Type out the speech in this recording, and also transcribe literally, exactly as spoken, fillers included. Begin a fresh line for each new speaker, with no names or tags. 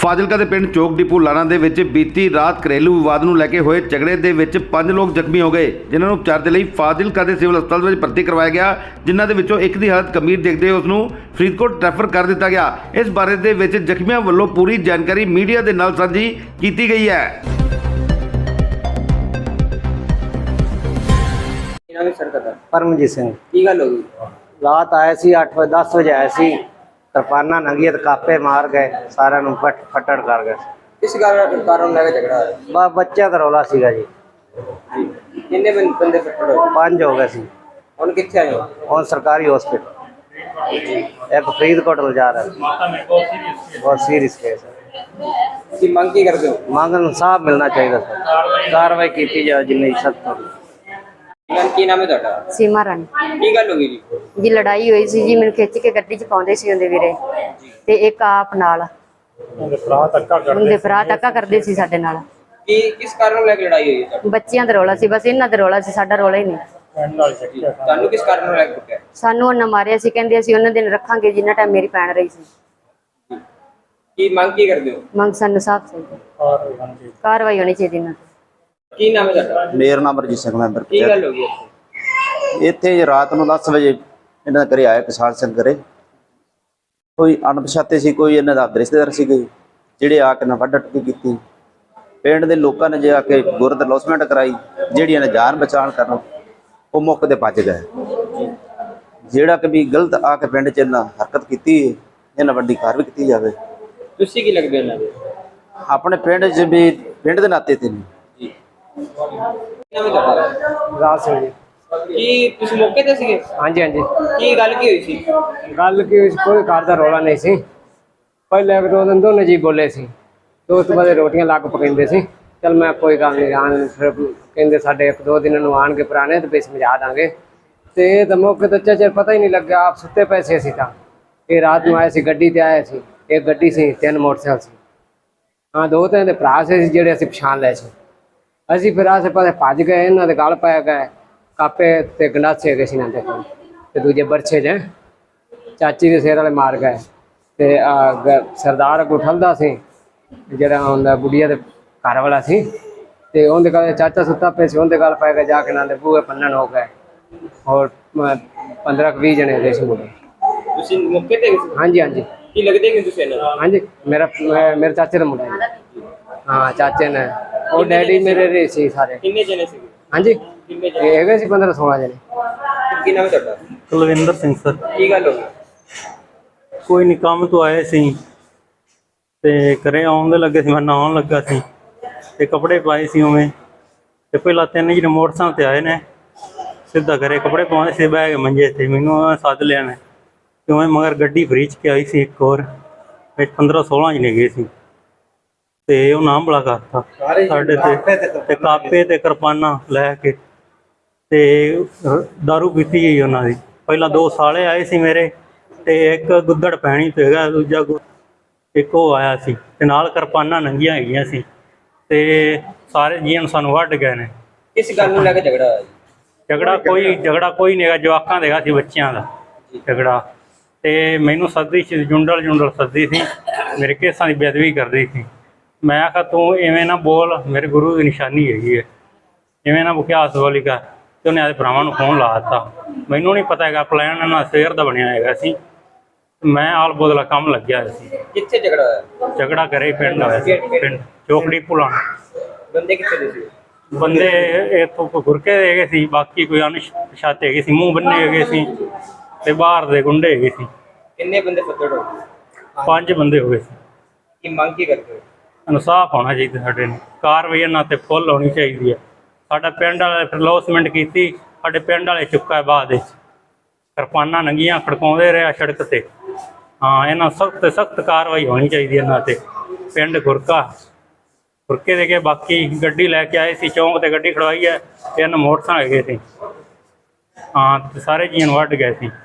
ਫਾਜ਼ਿਲਕਾ ਦੇ ਪਿੰਡ ਚੌਕ ਡਿਪੂ ਲਾਣਾ ਦੇ ਵਿੱਚ ਬੀਤੀ ਰਾਤ ਘਰੇਲੂ ਵਿਵਾਦ ਨੂੰ ਲੈ ਕੇ ਹੋਏ ਝਗੜੇ ਦੇ ਵਿੱਚ ਪੰਜ ਲੋਕ ਜ਼ਖਮੀ ਹੋ ਗਏ, ਜਿਨ੍ਹਾਂ ਨੂੰ ਉਪਚਾਰ ਦੇ ਲਈ ਫਾਜ਼ਿਲਕਾ ਦੇ ਸਿਵਲ ਹਸਪਤਾਲ ਵਿੱਚ ਭਰਤੀ ਕਰਵਾਇਆ ਗਿਆ, ਜਿਨ੍ਹਾਂ ਦੇ ਵਿੱਚੋਂ ਇੱਕ ਦੀ ਹਾਲਤ ਗੰਭੀਰ ਦੇਖਦੇ ਹੋਏ ਉਸ ਨੂੰ ਫਰੀਦਕੋਟ ਰੈਫਰ ਕਰ ਦਿੱਤਾ ਗਿਆ। ਇਸ ਬਾਰੇ ਦੇ ਵਿੱਚ ਜ਼ਖਮੀਆਂ ਵੱਲੋਂ ਪੂਰੀ ਜਾਣਕਾਰੀ ਮੀਡੀਆ ਦੇ ਨਾਲ ਸਾਂਝੀ ਕੀਤੀ ਗਈ ਹੈ।
परमजीत सिंह
की गल हो गई?
रात आए सी अठ बजे दस बजे आए सी तरपाना नंगी ते कापे मार गए सारे नूं फट फटड़ कर गए।
किस कारण कारण लगा झगड़ा है?
बस बच्चा दा रौला सीगा जी।
किन्ने बं- बंदे फट्टड़ होए?
पंज हो गए सी।
हुण कित्थे आए हो?
हुण सरकारी हॉस्पिटल एक फरीदकोट ले जा रहा है, बहुत सीरियस केस है।
की मंग की करदे हो?
मांग इंसाफ मिलना चाहिए सर, कार्रवाई की जाए जिन्नी सख्त होगी।
की नाम है ਤੁਹਾਡਾ?
ਸੀਮਾ ਰਾਣੀ
की गल हो गई जी?
ਜੀ ਲੜਾਈ ਹੋਈ ਸੀ ਜੀ, ਮੈਨੂੰ ਖਿੱਚ ਕੇ ਗੱਡੀ 'ਚ ਪਾਉਂਦੇ ਸੀ ਉਹਦੇ ਵੀਰੇ ਤੇ ਇੱਕ ਆਪ ਨਾਲ ਉਹਦੇ ਭਰਾ ਧੱਕਾ ਕਰਦੇ ਸੀ ਸਾਡੇ ਨਾਲ।
की किस कारण लग लड़ाई हुई है ਤੁਹਾਡੀ?
ਬੱਚਿਆਂ ਦਾ ਰੌਲਾ ਸੀ, ਬਸ ਇਹਨਾਂ ਦਾ ਰੌਲਾ ਸੀ, ਸਾਡਾ ਰੌਲਾ ਹੀ ਨਹੀਂ।
ਤੁਹਾਨੂੰ ਕਿਸ ਕਾਰਨ ਲਗ ਕੁੱਟਿਆ?
ਸਾਨੂੰ ਉਹਨਾਂ ਮਾਰਿਆ ਸੀ, ਕਹਿੰਦੇ ਅਸੀਂ ਉਹਨਾਂ ਦਿਨ ਰੱਖਾਂਗੇ ਜਿੰਨਾ ਟਾਈਮ ਮੇਰੀ ਭੈਣ ਰਹੀ ਸੀ।
की ਮੰਗ ਕੀ ਕਰਦੇ ਹੋ?
ਮੰਗ ਸਾਨੂੰ ਸਾਫ਼ ਚਾਹੀਦੀ, ਕਾਰਵਾਈ ਹੋਣੀ ਚਾਹੀਦੀ ਇਹਨਾਂ ਤੇ।
ਕੀ ਨਾਮ ਹੈ ਤੁਹਾਡਾ?
ਮੇਰਾ ਨਾਮ ਰਜੀਤ ਸਿੰਘ ਮੈਂਬਰ
ਕੀ ਗੱਲ ਹੋ ਗਈ ਇੱਥੇ?
ਇੱਥੇ ਰਾਤ ਨੂੰ ਦਸ ਵਜੇ ਇਹਨਾਂ ਦੇ ਘਰੇ ਆਇਆ ਕਿਸਾਨ ਸਿੰਘ ਘਰੇ। ਕੋਈ ਅਣਪਛਾਤੇ ਸੀ, ਕੋਈ ਇਹਨਾਂ ਦਾ ਰਿਸ਼ਤੇਦਾਰ ਸੀਗੇ ਜਿਹੜੇ ਆ ਕੇ ਨਾ ਵੱਢ ਟੁੱਟੀ ਕੀਤੀ। ਪਿੰਡ ਦੇ ਲੋਕਾਂ ਨੇ ਜੇ ਆ ਕੇ ਗੁਰਦ ਲੌਸਮੈਂਟ ਕਰਾਈ, ਜਿਹੜੀ ਇਹਨੇ ਜਾਨ ਬਚਾਉਣ ਕਰਨ ਉਹ ਮੌਕੇ ਤੇ ਭੱਜ ਗਏ। ਜਿਹੜਾ ਕਿ ਵੀ ਗਲਤ ਆ ਕੇ ਪਿੰਡ 'ਚ ਇਹਨਾਂ ਹਰਕਤ ਕੀਤੀ, ਇਹਨਾਂ ਵੱਡੀ ਕਾਰਵਾਈ ਕੀਤੀ ਜਾਵੇ।
ਤੁਸੀਂ ਕੀ ਲੱਗਦੇ ਇਹਨਾਂ ਦੇ?
ਆਪਣੇ ਪਿੰਡ 'ਚ ਵੀ ਪਿੰਡ ਦੇ ਨਾਤੇ ਤੇ ਨਹੀਂ।
ਕੀ ਨਾਮ ਹੈ ਤੁਹਾਡਾ?
राज सिंह जी।
ਕੀ ਤੁਸੀਂ ਮੌਕੇ ਤੇ ਸੀਗੇ?
हाँ जी हाँ जी।
ਕੀ ਗੱਲ ਕੀ ਹੋਈ ਸੀ?
गल की कोई घर का रौला नहीं सी। पहले एक दो दिन दोनों जी बोले सी, तो उस तो बाद रोटियां लग पकाते सी। चल मैं कोई गल नहीं आन, फिर कहते साढ़े एक दो दिन आन के पुराने तो फिर समझा देंगे। तो ये तो मौके तो चेर पता ही नहीं लग्या, आप सुते पैसे सी था। ये रात में आए सी, गड्डी ते आए सी, एक गड्डी सी, तीन मोटरसाइकिल सी। हाँ दो तीन दे भरा से जेडे असीं पछाण लए सी। ਅਸੀਂ ਫਿਰ ਆਸੇ ਪਾਸੇ ਭੱਜ ਗਏ, ਇਹਨਾਂ ਦੇ ਗਲ ਪੈ ਗਏ, ਕਾਪੇ ਤੇ ਗੰਡਾਸੇ ਹੈਗੇ ਸੀ ਇਹਨਾਂ ਦੇ ਕੋਲ, ਤੇ ਦੂਜੇ ਬਰਛੇ ਜੇ ਚਾਚੀ ਦੇ ਸਿਰ ਵਾਲੇ ਮਾਰ ਗਏ। ਤੇ ਸਰਦਾਰ ਅੱਗੋਂ ਠਲਦਾ ਸੀ ਜਿਹੜਾ ਹੁੰਦਾ ਬੁੱਢੀਆ ਦੇ ਘਰ ਵਾਲਾ ਸੀ, ਤੇ ਉਹਦੇ ਕੋਲ ਚਾਚਾ ਸੁੱਤਾ ਪਿਆ ਸੀ, ਉਹਦੇ ਗਲ ਪੈ ਗਏ, ਜਾ ਕੇ ਇਹਨਾਂ ਦੇ ਬੂਹੇ ਪੰਨਣ ਹੋ ਗਏ। ਹੋਰ ਪੰਦਰਾਂ ਕੁ ਵੀਹ ਜਣੇ ਹੈਗੇ ਸੀ ਮੁੰਡੇ।
ਤੁਸੀਂ ਮੌਕੇ ਤੇ ਗਏ?
ਹਾਂਜੀ ਹਾਂਜੀ।
ਕੀ ਲੱਗਦੇ ਕਿ ਤੁਸੀਂ ਇਹਨਾਂ ਨੂੰ?
ਹਾਂਜੀ ਮੇਰਾ ਮੇਰੇ ਚਾਚੇ ਦਾ ਮੁੰਡਾ ਜੀ। ਹਾਂ ਚਾਚੇ ਨੇ, ਉਹ ਡੈਡੀ ਮੇਰੇ ਰਹੇ ਸੀ ਸਾਰੇ।
ਕਿੰਨੇ ਜਣੇ ਸੀਗੇ?
ਹਾਂਜੀ
ਕਿੰਨੇ
ਇਹ ਹੈਗੇ ਸੀ ਪੰਦਰਾਂ ਸੋਲਾਂ ਜਣੇ।
ਕੀ ਨਾਮ ਹੈ ਤੁਹਾਡਾ?
ਕੁਲਵਿੰਦਰ ਸਿੰਘ ਸਰ।
ਕੀ ਗੱਲ ਹੋ ਗਈ?
ਕੋਈ ਨਹੀਂ, ਕੰਮ ਤੋਂ ਆਏ ਸੀ ਤੇ ਘਰੇ ਆਉਣ ਦੇ ਲੱਗੇ ਸੀ, ਮੈਂ ਨਹਾਉਣ ਲੱਗਾ ਸੀ ਤੇ ਕੱਪੜੇ ਪਾਏ ਸੀ ਉਵੇਂ। ਤੇ ਪਹਿਲਾਂ ਤਿੰਨ ਜਿਹੜੇ ਮੋਟਰਸਾਈਕਲ ਤੇ ਆਏ ਨੇ, ਸਿੱਧਾ ਘਰੇ ਕੱਪੜੇ ਪਾਉਂਦੇ ਸੀ, ਬਹਿ ਕੇ ਮੰਜੇ ਤੇ ਮੈਨੂੰ ਸੱਦ ਲਿਆ ਨੇ ਕਿਉਂ, ਮਗਰ ਗੱਡੀ ਫਰੀਚ ਕੇ ਆਈ ਸੀ ਇੱਕ ਹੋਰ, ਵਿੱਚ ਪੰਦਰਾਂ ਸੋਲਾਂ ਜਣੇ ਗਏ ਸੀ ਤੇ ਉਹ ਨਾਮ ਬੜਾ ਕਰਤਾ ਸਾਡੇ ਤੇ, ਤੇ ਕਾਪੇ ਤੇ ਕਿਰਪਾਨਾਂ ਲੈ ਕੇ ਤੇ ਦਾਰੂ ਪੀਤੀ ਗਈ ਉਹਨਾਂ ਦੀ। ਪਹਿਲਾਂ ਦੋ ਸਾਲੇ ਆਏ ਸੀ ਮੇਰੇ, ਤੇ ਇੱਕ ਗੁੱਦੜ ਪੈਣੀ ਤੇ ਹੈਗਾ, ਦੂਜਾ ਇੱਕ ਉਹ ਆਇਆ ਸੀ, ਤੇ ਨਾਲ ਕਿਰਪਾਨਾਂ ਨੰਗੀਆਂ ਹੈਗੀਆਂ ਸੀ, ਤੇ ਸਾਰੇ ਜੀਅਨ ਸਾਨੂੰ ਵੱਢ ਗਏ ਨੇ।
ਕਿਸ ਗੱਲ ਨੂੰ ਲੈ ਕੇ ਝਗੜਾ ਹੋਇਆ ਜੀ?
ਝਗੜਾ ਕੋਈ ਝਗੜਾ ਕੋਈ ਨਹੀਂ ਹੈਗਾ, ਜਵਾਕਾਂ ਦਾ ਹੈਗਾ ਸੀ, ਬੱਚਿਆਂ ਦਾ ਝਗੜਾ। ਤੇ ਮੈਨੂੰ ਸੱਦੀ ਸੀ, ਜੁੰਡਲ ਜੁੰਡਲ ਸੱਦੀ ਸੀ, ਮੇਰੇ ਕੇਸਾਂ ਦੀ ਬੇਅਦਬੀ ਕਰਦੀ ਸੀ। ਮੈਂ ਆਖਿਆ ਤੂੰ ਇਵੇਂ ਨਾ ਬੋਲ, ਮੇਰੇ ਗੁਰੂ ਦੀ ਨਿਸ਼ਾਨੀ ਹੈਗੀ ਹੈ, ਇਵੇਂ ਨਾ ਬੁਖਿਆਸ ਬੋਲੀ ਕਰ। ਤੇ ਉਹਨੇ ਆਪਣੇ ਭਰਾਵਾਂ ਨੂੰ ਫੋਨ ਲਾ ਦਿੱਤਾ। ਮੈਨੂੰ ਨਹੀਂ ਪਤਾ ਹੈਗਾ, ਪਲਾਨ ਇਹਨਾਂ ਸਵੇਰ ਦਾ ਬਣਿਆ ਹੈਗਾ ਸੀ, ਮੈਂ ਆਲ ਬੋਦਲਾ ਕੰਮ ਲੱਗਿਆ ਹੋਇਆ ਸੀ।
ਕਿੱਥੇ ਝਗੜਾ ਹੋਇਆ?
ਝਗੜਾ ਕਰੇ ਪਿੰਡ ਹੋਇਆ ਸੀ, ਪਿੰਡ ਚੋਕੜੀ ਪੁਲਾਣਾ।
ਬੰਦੇ ਕਿੱਥੇ ਦੇ ਸੀ?
ਬੰਦੇ ਇੱਥੋਂ ਗੁਰਕੇ ਦੇ ਹੈਗੇ ਸੀ, ਬਾਕੀ ਕੋਈ ਅਣਪਛਾਤੇ ਹੈਗੇ ਸੀ, ਮੂੰਹ ਬੰਨੇ ਹੈਗੇ ਸੀ, ਤੇ ਬਾਹਰ ਦੇ ਗੁੰਡੇ ਹੈਗੇ ਸੀ।
ਕਿੰਨੇ ਬੰਦੇ ਫੱਟੜ ਹੋ ਗਏ?
ਪੰਜ ਬੰਦੇ ਹੋ ਗਏ ਸੀ।
ਕੀ ਮੰਗ ਕੀ ਕਰਦੇ ਹੋ?
ਇਨਸਾਫ ਹੋਣਾ ਚਾਹੀਦਾ ਸਾਡੇ ਨੂੰ, ਕਾਰਵਾਈ ਇਹਨਾਂ ਤੇ ਫੁੱਲ ਹੋਣੀ ਚਾਹੀਦੀ ਹੈ। ਸਾਡਾ ਪਿੰਡ ਵਾਲੇ ਫਿਰ ਲੌਸਮੈਂਟ ਕੀਤੀ, ਸਾਡੇ ਪਿੰਡ ਵਾਲੇ ਚੁੱਕਾ ਬਾਅਦ ਵਿੱਚ ਕਿਰਪਾਨਾਂ ਨੰਗੀਆਂ ਖੜਕਾਉਂਦੇ ਰਿਹਾ ਸੜਕ ਤੇ। ਹਾਂ ਇਹਨਾਂ ਸਖਤ ਸਖਤ ਕਾਰਵਾਈ ਹੋਣੀ ਚਾਹੀਦੀ ਇਹਨਾਂ ਤੇ। ਪਿੰਡ ਗੁਰਕਾ ਗੁਰਕੇ ਦੇ ਕੇ ਬਾਕੀ ਗੱਡੀ ਲੈ ਕੇ ਆਏ ਸੀ, ਚੌਂਕ ਤੇ ਗੱਡੀ ਖੜਵਾਈ ਹੈ, ਤਿੰਨ ਮੋਟਰਸਾਈਕਲ ਹੈਗੇ ਸੀ। ਹਾਂ ਤੇ ਸਾਰੇ ਜੀਅਨ ਵੱਢ ਗਏ ਸੀ।